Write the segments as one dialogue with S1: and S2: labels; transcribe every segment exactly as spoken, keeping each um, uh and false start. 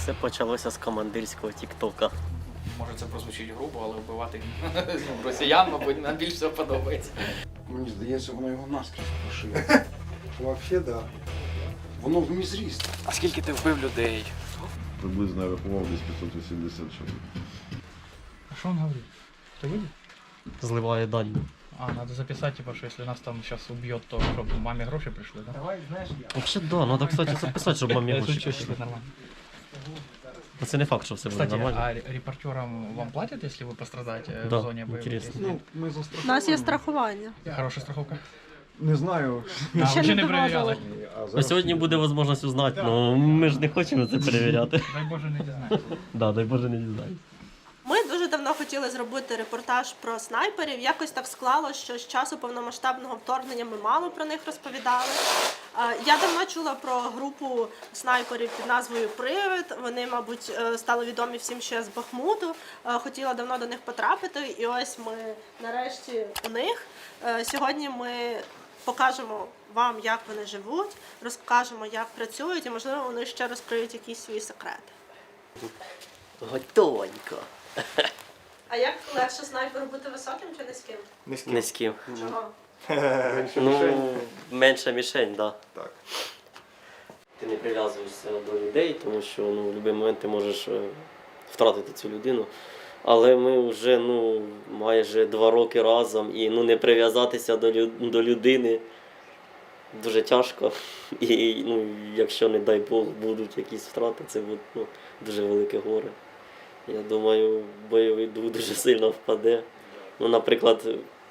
S1: Все почалося з командирського тіктока.
S2: Може це прозвучить грубо, але вбивати ну, росіян, мабуть, нам більше всього подобається.
S3: Мені здається, воно його наскрізь прошило.
S4: Взагалі, так.
S3: Воно в мізріст.
S2: А скільки ти вбив людей?
S5: Приблизно я рахував десь пятьсот восемьдесят чоловік.
S2: А що він говорить? Ти видів?
S1: Зливає дані.
S2: А, надо записать, типа, что если нас там сейчас убьет, то чтобы маме гроши пришли, да?
S4: Давай, знаєш, я.
S1: Вообще, да, надо, кстати, записати, щоб мамі
S2: Я
S1: гроші
S2: шучу,
S1: прийшли.
S2: что нормально.
S1: Ну, це не факт, що все буде
S2: Кстати,
S1: нормально.
S2: а ре- репортерам вам платят, если вы пострадаете э,
S1: Да,
S2: в зоне боевых
S1: интересно.
S2: действий?
S4: Ну, ми
S6: У
S4: застраховані.
S6: нас є страхування.
S2: Хорошая страховка.
S4: Не знаю.
S2: А,
S6: Ще
S2: ви ще
S6: не
S2: не перевіряли.
S4: А
S1: Ну,
S4: зараз
S1: сьогодні буде можливість узнати, але ми ж не хочемо це перевіряти.
S2: Дай Боже, не знаю.
S1: Да, дай Боже, не дізнаємось.
S7: Ми дуже давно хотіли зробити репортаж про снайперів. Якось так склалося, що з часу повномасштабного вторгнення ми мало про них розповідали. Е, Я давно чула про групу снайперів під назвою Привид. Вони, мабуть, е, стали відомі всім ще з Бахмуту. Е, Хотіла давно до них потрапити, і ось ми нарешті у них. Е, Сьогодні ми покажемо вам, як вони живуть, розкажемо, як працюють, і, можливо, вони ще розкриють якісь свої секрети.
S1: Готовенько.
S7: А як легше снайперу бути високим чи низьким?
S1: Низьким.
S7: Чого?
S1: Ну, менша мішень, да.
S4: Так.
S1: Ти не прив'язуєшся до людей, тому що ну, в будь-який момент ти можеш е, втратити цю людину. Але ми вже ну, майже два роки разом і ну, не прив'язатися до, лю- до людини дуже тяжко. І ну, якщо, не дай Бог, будуть якісь втрати, це буде ну, дуже велике горе. Я думаю, бойовий дух дуже сильно впаде. Ну, наприклад,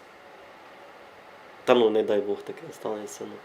S1: та ну, не дай Бог таке станеться. Ну.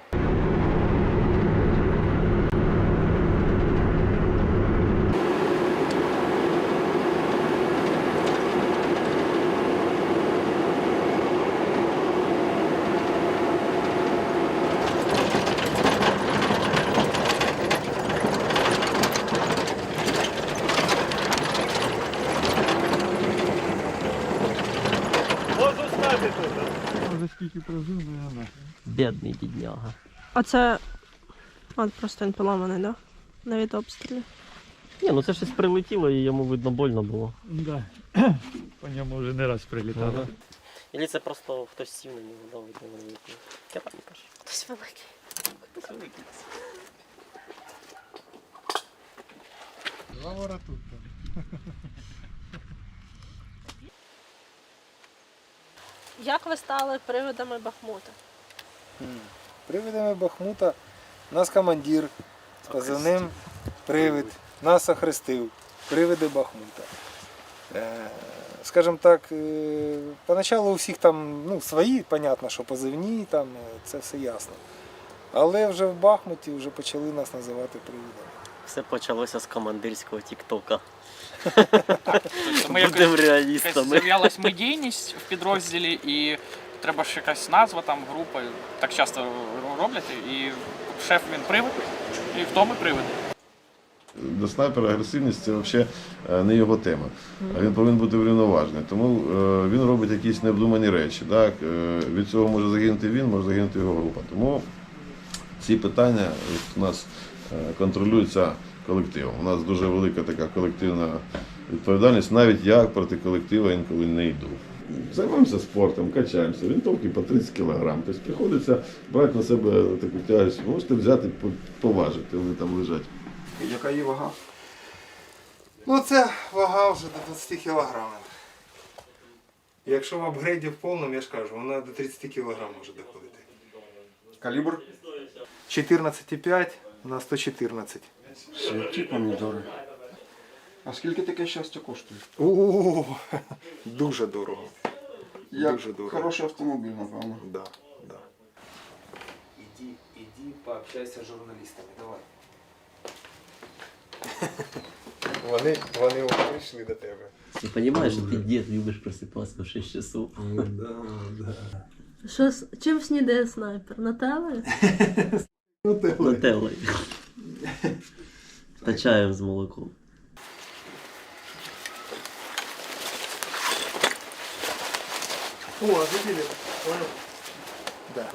S4: Може скільки прожив, наверное.
S1: Бідний бідняга.
S6: А це. От просто він поламаний, да? Навіть обстрілі.
S1: Ні, ну це щось прилетіло і йому, видно, больно було.
S4: Да. По ньому вже не раз прилітало.
S1: Ілі це просто хтось сів на нього, да, видно, великий. Кераміка ж.
S7: Хтось великий.
S1: Хтось великий.
S4: Два вора тут.
S7: Як ви стали привидами Бахмута?
S8: Привидами Бахмута нас командир з позивним Привид нас охрестив. Привиди Бахмута. Е, Скажімо так, е, поначалу у всіх там ну, свої, понятно, що позивні, там, е, це все ясно. Але вже в Бахмуті вже почали нас називати привидами.
S1: Все почалося з командирського тіктока.
S2: Ми
S1: Будемо
S2: якось
S1: реалістами.
S2: з'являлась медійність в підрозділі, і треба ж якась назва, там, група. Так часто роблять, і шеф він привид, і в тому привид.
S5: Для снайпера агресивність це взагалі не його тема. А він повинен бути врівноважений. Тому е, він робить якісь необдумані речі. Так? Е, від цього може загинути він, може загинути його група. Тому ці питання у нас е, контролюються колективом. У нас дуже велика така колективна відповідальність. Навіть я проти колективу інколи не йду. Займаємося спортом, качаємося, винтовки по тридцять кілограм. Тобто приходиться брати на себе таку тяжесть. Можете взяти, поважити, вони там лежать.
S3: Яка її вага?
S8: Ну це вага вже до двадцять кілограмів. Якщо в апгрейді в повному, я ж кажу, вона до тридцять кілограмів може доходити.
S3: Калібр?
S8: чотирнадцять і п'ять на сто чотирнадцять.
S3: Святі помідори. А скільки таке щастя коштує?
S8: У дуже дорого.
S3: Як
S8: Дуже дорого.
S3: хороший автомобіль, напевно.
S8: Да, да.
S9: Иди, иди пообщайся с журналистами, давай.
S8: Вони, вони прийшли до тебе.
S1: Ти розумієш, що ти дід, любиш просипатися в шість часов.
S8: Да, да.
S6: Що, с- чим снідає снайпер? Нателлою?
S1: Нателлою. Та чаєм з молоком.
S8: О, забили. Да.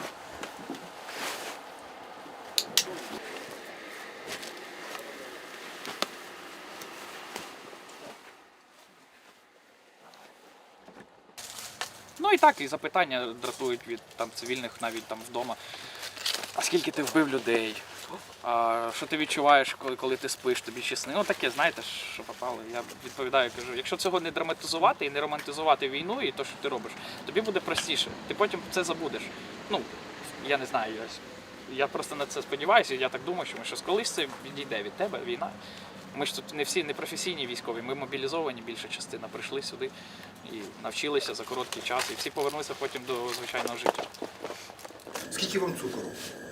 S2: Ну і так, і запитання дратують від там цивільних навіть там вдома. А скільки ти вбив людей? А що ти відчуваєш, коли, коли ти спиш, тобі ще сни? Ну таке, знаєте, що попало. Я відповідаю, кажу, якщо цього не драматизувати і не романтизувати війну і те, що ти робиш, тобі буде простіше. Ти потім це забудеш. Ну, я не знаю, я, я просто на це сподіваюся, я так думаю, що ми щось колись це відійде від тебе, війна. Ми ж тут не всі не професійні військові, ми мобілізовані, більша частина прийшли сюди і навчилися за короткий час, і всі повернуться потім до звичайного життя.
S3: Скільки вам цукру?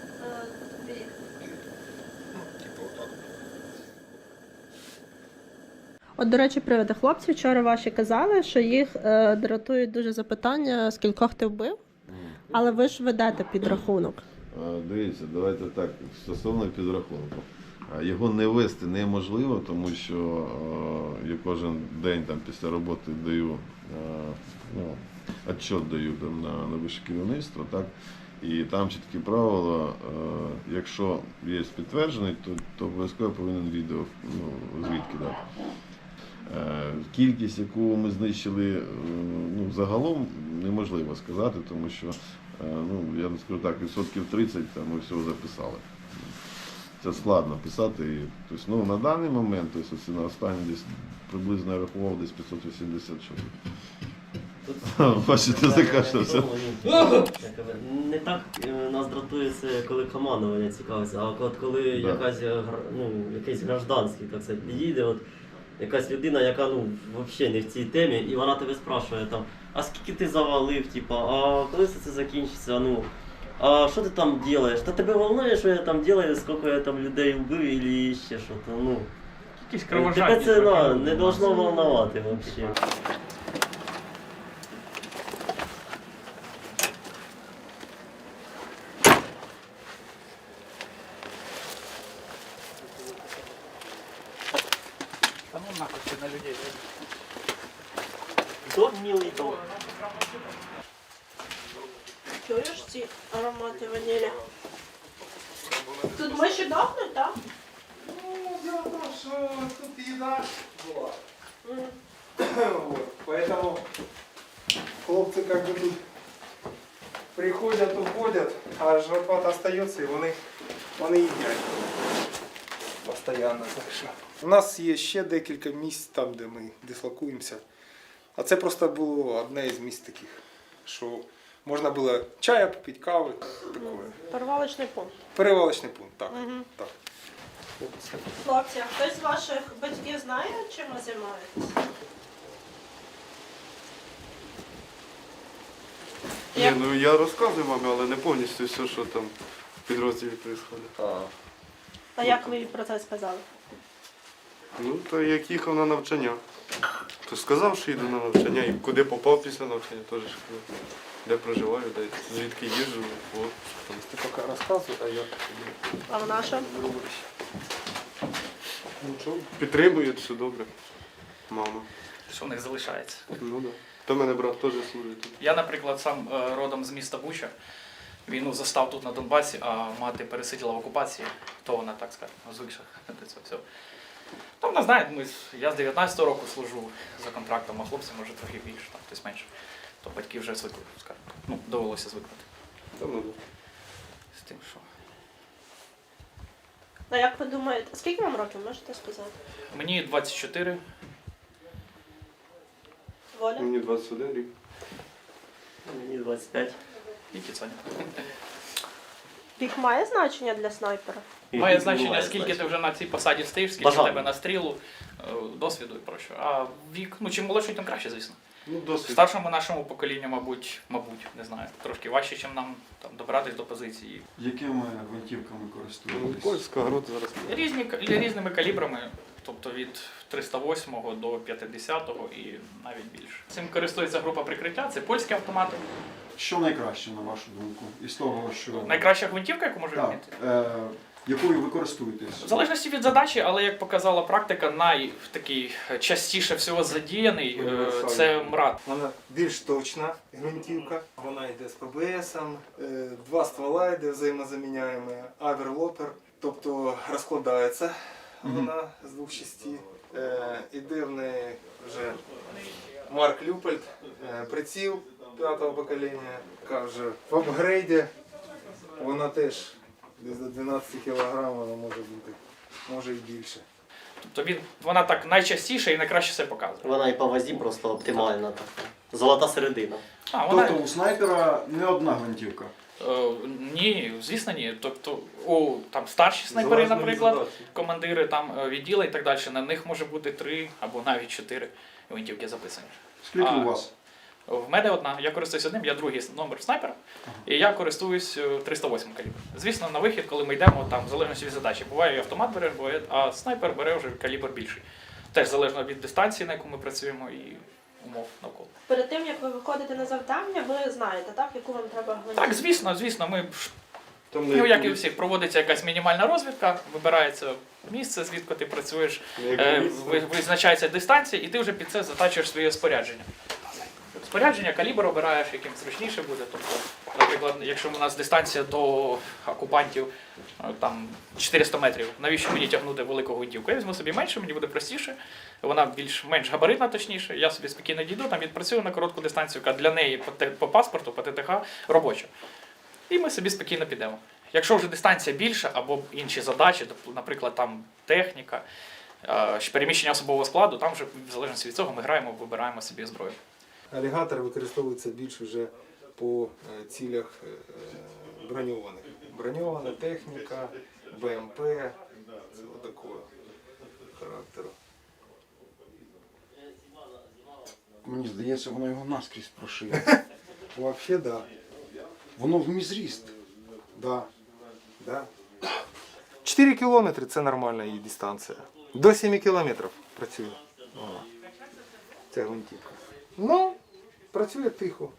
S7: От, до речі, приводи хлопці вчора ваші казали, що їх е, дратують дуже запитання, скількох ти вбив, але ви ж ведете підрахунок.
S5: Е, Дивіться, давайте так, стосовно підрахунку. Е, Його не вести неможливо, тому що е, я кожен день там, після роботи даю, е, ну, отчет даю там, на, на вище керівництво, так? І там чіткі правила, е, якщо є підтверджений, то, то обов'язково повинен відео, ну, звідки дати. Е, Кількість, яку ми знищили, е, ну, загалом неможливо сказати, тому що, е, ну, я не скажу так, відсотків тридцять там, ми всього записали. Це складно писати. І, тобто, ну, на даний момент, тобто, на останній десь приблизно я рахував десь п'ятсот вісімдесят чоловік. Бачите, закашлявся.
S1: Не так е, нас дратує це, коли командування цікавиться, а от коли
S5: Да.
S1: якась, е, гр- ну, якийсь гражданський, так сказати, підійде, от якась людина, яка ну, взагалі не в цій темі, і вона тебе спрашує там, а скільки ти завалив, типа, а коли все це закінчиться, ну, а що ти там робиш? Та тебе волнує, що я там роблю, скільки я там людей вбив, і ще що то, ну.
S2: Якісь
S1: Тебе
S2: кровожадні.
S1: це
S2: трохи.
S1: на, не должно волновати взагалі.
S2: Та ну нахуй ти на людей.
S1: Дом милий дом.
S7: Чуєш ці аромати ванілі? Тут миші дохнуть, так?
S8: Ну, дело в том, что тут еда была. Вот. Поэтому хлопцы как бы тут приходят, уходят, а жаркот остается, и вони, вони їдять. Постоянно. Так що. У нас є ще декілька місць там, де ми дислокуємося. А це просто було одне із місць таких, що можна було чая попити, кави, такое.
S7: Перевалочний пункт.
S8: Перевалочний пункт, так.
S7: Мгм.
S8: так.
S7: Хлопці, а хтось з ваших батьків знає, чим ви займаєтесь?
S10: Ні,
S7: Як?
S10: ну я розказую мамі, але не повністю все, що там в підрозділі відбувається.
S7: А як ви їй про це сказали?
S10: Ну, то як їхав на навчання. То сказав, що йду на навчання і куди попав після навчання, теж ж казав. Де проживаю, де звідки їжджу, от.
S8: Ти поки розказуй, а я
S7: А вона що?
S10: Нічого. Підтримують, все добре. Мама.
S2: Що в них залишається.
S10: Ну так. То в мене брат теж служить тут.
S2: Я, наприклад, сам е, родом з міста Буча. Війну застав тут на Донбасі, а мати пересиділа в окупації, то вона, так скажемо, звикша до цього всього. Там, вона знає, ми, з- я з дев'ятнадцятого року служу за контрактом, а хлопці, може, трохи більше, там, хтось менше. То батьки вже звикли, скажімо. Ну, довелося звикнути
S10: Та ну да.
S2: з тим, що...
S7: А як ви думаєте, скільки вам років, можете сказати?
S2: Мені двадцять чотири.
S7: Воля?
S10: Мені двадцять один рік.
S1: Мені двадцять п'ять.
S2: І Кіцоня.
S7: Вік має значення для снайпера?
S2: Має значення, скільки ти вже на цій посаді стоїш, скільки в
S1: Бажано.
S2: тебе настрілу, е, досвіду і прощо. А вік, ну чим молодший, тим краще, звісно.
S10: Ну, досвід.
S2: Старшому нашому поколінню, мабуть, мабуть, не знаю, трошки важче, ніж нам там добратись до позиції.
S3: Якими гвинтівками
S10: Ну,
S3: користуєтесь?
S10: польська груд зараз.
S2: Різні к- різними калібрами, тобто від триста восьмого до п'ятдесятого і навіть більше. Цим користується група прикриття, це польські автомати.
S3: Що найкраще, на вашу думку? Із того, що...
S2: Найкраща гвинтівка, яку може
S3: Так,
S2: вміти.
S3: е, якою ви користуєтесь?
S2: В залежності від задачі, але як показала практика, найтакий частіше всього задіяний е, це МРАД.
S8: Вона більш точна гвинтівка. Вона йде з пе бе есом, е, два ствола йде взаємозаміняємо, аверлопер, тобто розкладається вона з двох частей. Е, Іде в неї вже Марк Люпольд, е, приціл, п'ятого покоління, яка вже в апгрейді, вона теж десь до дванадцять кілограмів вона може бути, може і більше.
S2: Тобто він, вона так найчастіше і найкраще все показує.
S1: Вона і по вазі просто оптимальна така. Золота середина.
S2: А, вона...
S3: Тобто у снайпера не одна гвинтівка.
S2: Е, ні, звісно, ні. Тобто у там старші снайпери,
S10: Залежно від
S2: наприклад,
S10: задачі.
S2: командири там е, відділа і так далі, на них може бути три або навіть чотири гвинтівки записані.
S3: Скільки
S2: А,
S3: у вас?
S2: В мене одна, я користуюсь одним, я другий номер снайпера, і я користуюсь е, триста восьмим калібр. Звісно, на вихід, коли ми йдемо, там в залежності від задачі, буває і автомат бере, буває, а снайпер бере вже калібр більший. Теж залежно від дистанції, на яку ми працюємо, і умов навколо.
S7: Перед тим як ви виходите на завдання, ви знаєте, так, яку вам треба гвинтівку?
S2: Так, звісно, звісно, ми ж
S10: Там
S2: ну, як і у всіх, проводиться якась мінімальна розвідка, вибирається місце, звідки ти працюєш, е, ви- визначається дистанція, і ти вже під це затачуєш своє спорядження. Спорядження, калібр обираєш, яким зручніше буде. Тобто, наприклад, якщо у нас дистанція до окупантів е, там чотириста метрів, навіщо мені тягнути велику гвинтівку? Я візьму собі менше, мені буде простіше, вона більш-менш габаритна, точніше, я собі спокійно дійду, там відпрацюю на коротку дистанцію, яка для неї по, те- по паспорту, по ТТХ робоча. І ми собі спокійно підемо. Якщо вже дистанція більша або інші задачі, тобто, наприклад, там техніка, е, переміщення особового складу, там вже в залежності від цього ми граємо, вибираємо собі зброю.
S8: Алігатор використовується більш вже по е, цілях е, броньованих. Броньована техніка, БМП, це такого характеру.
S3: Мені здається, воно його наскрізь прошиє.
S8: Взагалі, да.
S3: Воно в мізріст.
S8: Да. Да. чотири кілометри це нормальна її дистанція. До семи кілометрів працює. О, ця гвинтівка. Ну, працює тихо.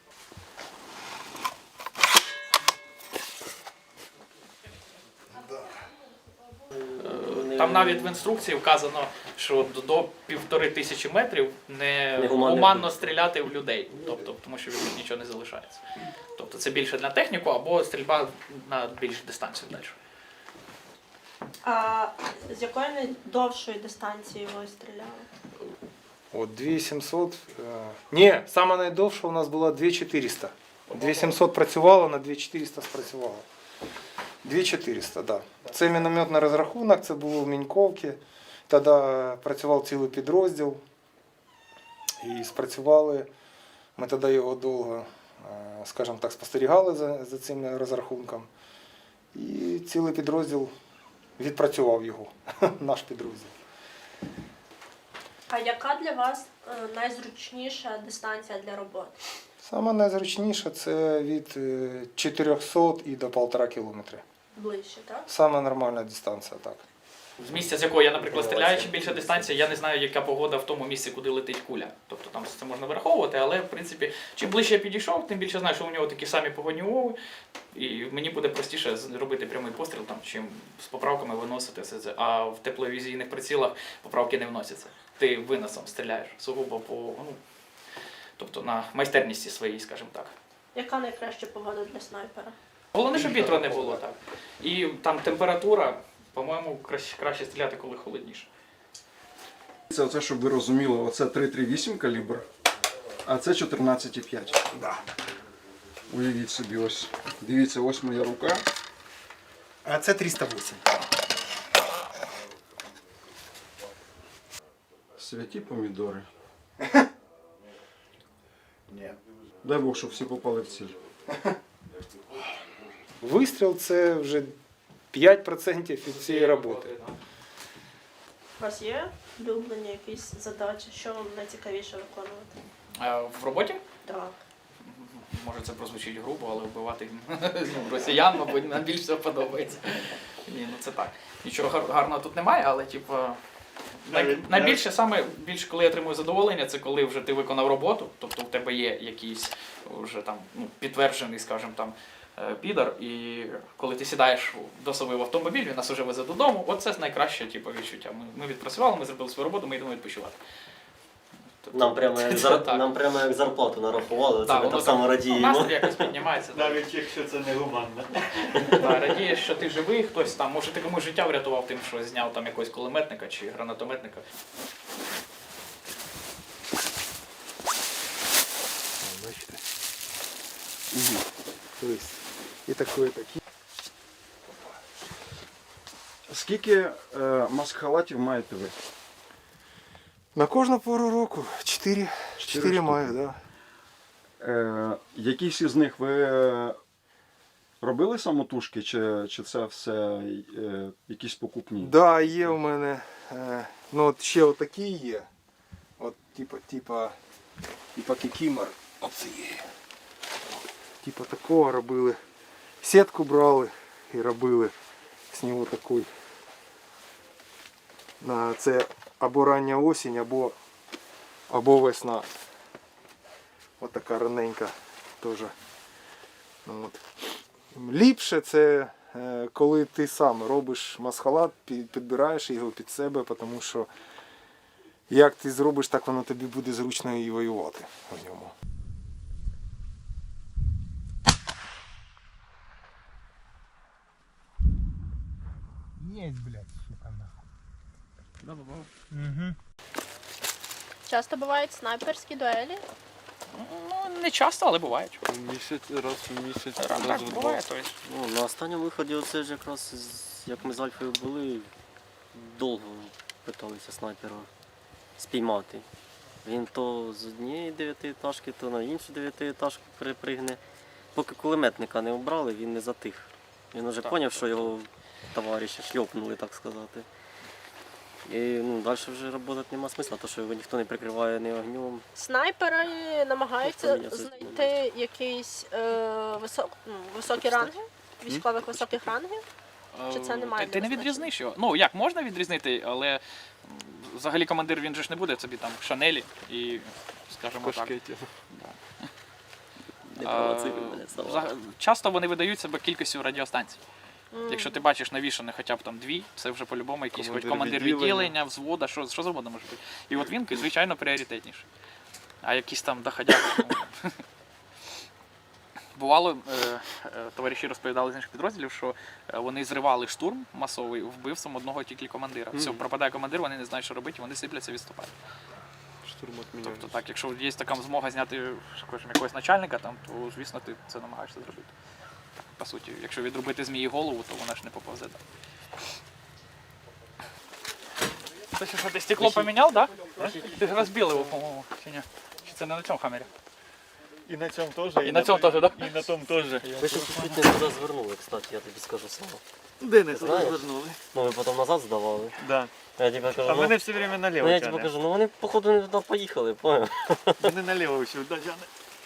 S2: Там навіть в інструкції вказано, що до- до півтори тисячі метрів не
S1: Негуманно.
S2: гуманно стріляти в людей, тобто, тому що від них нічого не залишається. Тобто це більше для техніку або стрільба на більшу дистанцію далі.
S7: А з якої найдовшої дистанції ви стріляли?
S8: От дві сімсот. е, Ні, саме найдовша у нас була дві чотириста. дві сімсот працювала, на дві чотириста спрацювала. дві чотириста, так. Да. Це мінометний розрахунок, це було в Міньковці. Тоді працював цілий підрозділ. І спрацювали. Ми тоді його довго, е, скажімо так, спостерігали за, за цим розрахунком. І цілий підрозділ відпрацював його, наш підрозділ.
S7: А яка для вас е, найзручніша дистанція для роботи?
S8: Саме найзручніше це від е, чотирьохсот і до півтора кілометри.
S7: Ближче, так?
S8: Саме нормальна дистанція, так.
S2: З місця, з якого я, наприклад, стріляю, чим більша дистанція, я не знаю, яка погода в тому місці, куди летить куля. Тобто там це можна враховувати, але в принципі, чим ближче я підійшов, тим більше знаю, що у нього такі самі погодні умови, і мені буде простіше зробити прямий постріл, там, чим з поправками виносити все це. А в тепловізійних прицілах поправки не вносяться. Ти виносом стріляєш сугубо по, ну, тобто на майстерності своїй, скажімо так.
S7: Яка найкраща погода для снайпера?
S2: Головне, щоб вітру не було так. І там температура, по-моєму, краще, краще стріляти, коли холодніше.
S3: Це оце, щоб ви розуміли, оце три тридцять вісім калібр, а це чотирнадцять п'ять.
S8: Да.
S3: Уявіть собі, ось. Дивіться, ось моя рука.
S8: А це триста вісім.
S3: Святі помідори. Ні. Дай Бог, щоб всі попали в ціль.
S8: Вистріл це вже п'ять відсотків від цієї роботи.
S7: У вас є улюблені якісь задачі, що вам найцікавіше виконувати?
S2: А в роботі?
S7: Так.
S2: Може це прозвучить грубо, але вбивати ну, росіян, мабуть, нам більше всього подобається. Ні, ну це так. Нічого гар- гарного тут немає, але типу, най, найбільше саме більше, коли я отримую задоволення, це коли вже ти виконав роботу, тобто у тебе є якийсь вже там ну, підтверджений, скажімо там, е, підар, і коли ти сідаєш до собі в автомобіль, він нас вже везе додому, оце найкраще типу, відчуття. Ми, ми відпрацювали, ми зробили свою роботу, ми йдемо відпочивати. Тобто,
S1: Нам прямо як,
S2: це
S1: зар...
S2: так.
S1: нам прямо як зарплату нарахували, це
S2: Да,
S1: ми
S2: воно
S1: так само
S2: так,
S1: радіємо.
S2: настрій якось піднімається. да.
S4: Навіть якщо це не гуманно.
S2: Да, радієш, що ти живий, хтось там, може ти комусь життя врятував тим, що зняв там якогось кулеметника чи гранатометника.
S8: Бачите? Тобто, і таке, і таке.
S3: Скільки е, маск-халатів маєте ви?
S8: На кожну пору року чотири, чотири
S3: штуки.
S8: маю, да.
S3: Е, якісь із них ви е, робили самотужки, чи, чи це все е, якісь покупні?
S8: Да, є у мене. Е, ну от ще отакі є. От типа, типа, типа кікімор. Оце є. Типа такого робили. Сітку брали і робили з нього такий. На це або рання осінь, або, або весна. От така раненька теж. Ну, от. Ліпше це е, коли ти сам робиш масхалат, пі- підбираєш його під себе, тому що як ти зробиш, так воно тобі буде зручно і воювати в ньому. Єсть, блядь, сука, нахуй. Угу.
S7: Часто бувають снайперські дуелі.
S2: Ну, не часто, але бувають.
S10: Місяць, раз в місяць,
S2: Так,
S10: раз
S2: так,
S10: в
S2: буває.
S10: два.
S2: Тобто.
S1: Ну, на останньому виході оце ж якраз, з- як ми з Альфою були, довго питалися снайпера спіймати. Він то з однієї дев'ятиетажки, то на іншу дев'ятиетажку перепригне. Поки кулеметника не обрали, він не затих. Він вже
S2: Так,
S1: зрозумів, що його товариші шльопнули, так сказати. І ну, далі вже працювати нема смисла, тому що його ніхто не прикриває ні огнем.
S7: Снайпери намагаються
S1: Ніхто не
S7: знайти якісь е, висок, ну, високі ранги, військових високих рангів. Чи це немає
S2: Ти, ти не
S7: значення?
S2: відрізниш його. Ну, як можна відрізнити, але м, взагалі командир він же ж не буде собі там шанелі і, скажімо так.
S10: Кошкеті.
S1: Не
S2: А,
S1: провоцируй мене, слава.
S2: взаг- Часто вони видають себе кількістю радіостанцій.
S7: М.
S2: Якщо ти бачиш навішане хоча б там дві, це вже по-любому якийсь хоч
S10: Командир
S2: командир
S10: відділення.
S2: відділення, взвода, що, що завгодно може бути. І от він, звичайно, пріоритетніший. А якісь там доходяги. ну, Бувало, е, е, товариші розповідали з інших підрозділів, що е, вони зривали штурм масовий вбивством одного тільки командира. Все, пропадає командир, вони не знають, що робити, вони сипляться, відступають.
S10: Штурм відміняють.
S2: Тобто так, якщо є така змога зняти, скажімо, якогось начальника, там, то звісно ти це намагаєшся зробити. По суті, якщо відрубити змії голову, то вона ж не поповзе. Ти що, ти стекло поміняв, так? Да? Ти ж розбив його, по-моєму, чи ні? Чи це не на цьому хамері?
S4: І на цьому теж.
S2: І на цьому теж, так?
S4: І на тому теж.
S1: Ви ще чуть не туди звернули, кстати, я тобі скажу саме.
S4: Де не
S1: Знаєш?
S4: розвернули?
S1: Ну, ми потім назад здавали.
S4: Да.
S1: Я тобі кажу,
S4: А
S1: ну,
S4: мене все время наліво
S1: ну я тобі
S4: тягне.
S1: кажу, ну вони походу не туди поїхали, поняв?
S4: Мене наліво всюди тягне.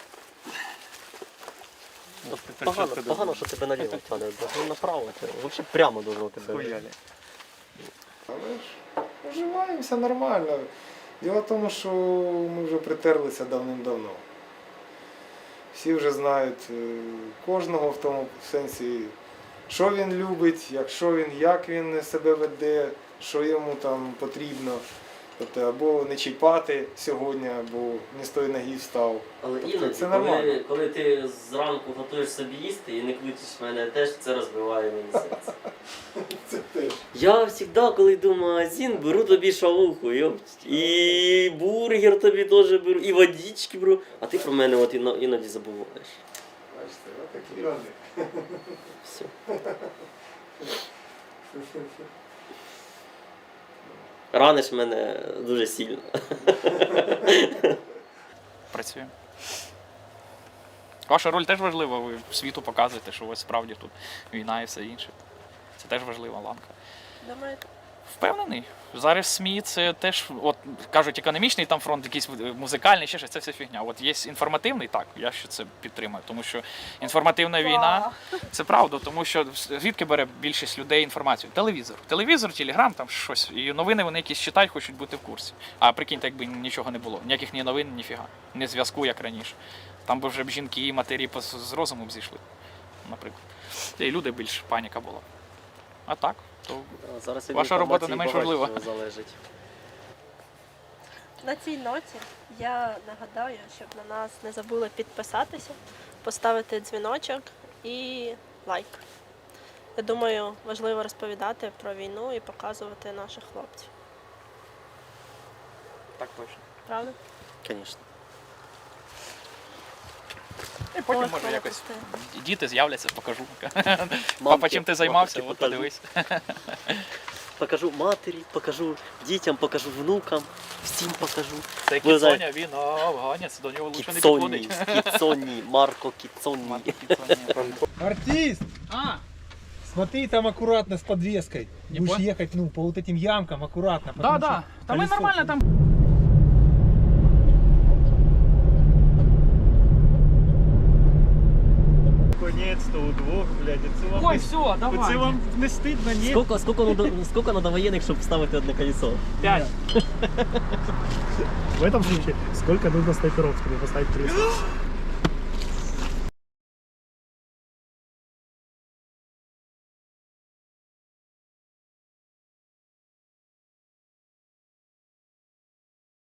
S1: Ну, Погано, погано, що тебе наліво тягне, ну направо тягне. Взагалі прямо должно тебе.
S4: Хуяли.
S8: Але ж вживаємося нормально. Діло в тому, що ми вже притерлися давним-давно. Всі вже знають е, кожного в тому сенсі, що він любить, якщо він, як він себе веде, що йому там потрібно. Тобто або не чіпати сьогодні, або не з тої ноги встав.
S1: Але
S8: Тобто
S1: іноді,
S8: це нормально.
S1: коли, коли ти зранку готуєш собі їсти і не кличеш мене теж, це розбиває мені серце.
S8: Це теж.
S1: Я завжди, коли йду в магазин, беру тобі шавуху, йопть, і бургер тобі теж беру, і водички беру, а ти про мене от іно- іноді забуваєш.
S8: Бачите, отакі люди.
S1: Все. Раниш мене дуже сильно.
S2: Працюємо. Ваша роль теж важлива, ви світу показуєте, що ось справді тут війна і все інше. Це теж важлива ланка.
S7: Думаєте?
S2: Впевнений. Зараз СМІ це теж, от кажуть, економічний там фронт, якийсь музикальний, ще щось, це все фігня. От є інформативний, так, я ще це підтримую, тому що інформативна війна це правда, тому що звідки бере більшість людей інформацію? Телевізор. Телевізор, телеграм, там щось. І новини вони якісь читають, хочуть бути в курсі. А прикиньте, якби нічого не було. Ніяких ні новин, ні фіга. Ні зв'язку, як раніше. Там би вже б жінки і матері з з розуму б зійшли, наприклад. І люди більш паніка була. А так, то
S1: А зараз від
S2: Ваша робота не
S1: інформації
S2: менш
S1: багато
S2: важлива.
S1: чого залежить.
S7: На цій ноті я нагадаю, щоб на нас не забули підписатися, поставити дзвіночок і лайк. Я думаю, важливо розповідати про війну і показувати наших хлопців.
S2: так точно.
S7: Правда?
S1: Звісно.
S2: І потім
S7: Ось
S2: може
S7: воно
S2: якось
S7: пусте.
S2: діти з'являться, покажу.
S1: Мамки,
S2: Папа, чим ти займався?
S1: мамочки
S2: От
S1: покажу.
S2: подивись.
S1: Покажу матері, покажу дітям, покажу внукам, всім покажу.
S2: Це
S1: Ви знаєте-
S2: Кіцоня, він афганець, до нього лучше не
S1: Кіцонні,
S2: підходить.
S1: Кіцонні, Марко Кіцонні.
S8: Артист!
S2: А,
S8: Смотри, там аккуратно с подвеской.
S2: Не
S8: Будешь
S2: понял.
S8: ехать, ну, по вот этим ямкам аккуратно.
S2: да,
S8: потому
S2: да.
S8: что
S2: Та ми
S8: колесо-
S2: нормально там.
S4: Конець-то удвох, блядь, це вам,
S2: Ой,
S4: не,
S2: все, давай.
S4: це вам не стидно, ні?
S1: Скільки, скільки, надо, скільки надо воєнних, щоб вставити одне колесо?
S2: П'ять.
S4: В этом случае, сколько нужно снайперов, чтобы поставить кресло?